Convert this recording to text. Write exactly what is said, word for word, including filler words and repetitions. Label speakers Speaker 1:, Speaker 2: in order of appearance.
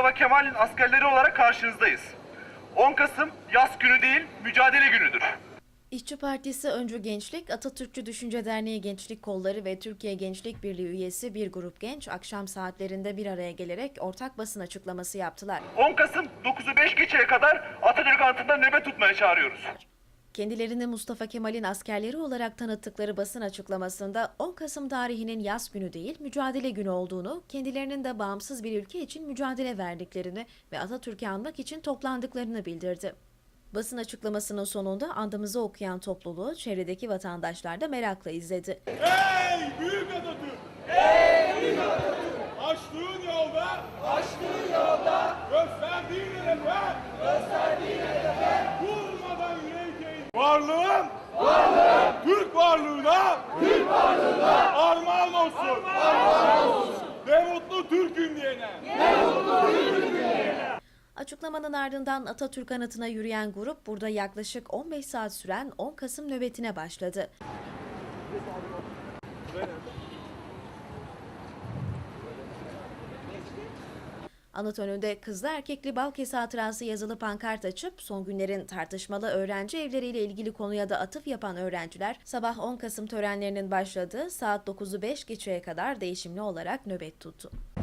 Speaker 1: Mustafa Kemal'in askerleri olarak karşınızdayız. on Kasım yas günü değil, mücadele günüdür.
Speaker 2: İşçi Partisi Öncü Gençlik, Atatürkçü Düşünce Derneği Gençlik Kolları ve Türkiye Gençlik Birliği üyesi bir grup genç akşam saatlerinde bir araya gelerek ortak basın açıklaması yaptılar.
Speaker 1: on Kasım dokuzu beş geçeye kadar Atatürk Anıtı'nda nöbet tutmaya çağırıyoruz.
Speaker 2: Kendilerini Mustafa Kemal'in askerleri olarak tanıttıkları basın açıklamasında on Kasım tarihinin yas günü değil, mücadele günü olduğunu, kendilerinin de bağımsız bir ülke için mücadele verdiklerini ve Atatürk'ü anmak için toplandıklarını bildirdi. Basın açıklamasının sonunda andımızı okuyan topluluğu çevredeki vatandaşlar da merakla izledi.
Speaker 3: Ey büyük Atatürk! Ey büyük Atatürk! Açtığın yolda, açtığın yolda, gösterdiğin hedefe, gösterdiğin hedefe, durmadan yürek eğ. Varlığın, varlığın, Türk varlığına, Türk varlığına, armağan olsun, armağan olsun. Ne mutlu Türk'üm diyene, ne mutlu Türk'üm diyene.
Speaker 2: Açıklamanın ardından Atatürk Anıtı'na yürüyen grup burada yaklaşık on beş saat süren on Kasım nöbetine başladı. Anıt önünde kızlı erkekli Balkes hatırası yazılı pankart açıp son günlerin tartışmalı öğrenci evleriyle ilgili konuya da atıf yapan öğrenciler sabah on Kasım törenlerinin başladığı saat dokuzu beş geçeye kadar değişimli olarak nöbet tuttu.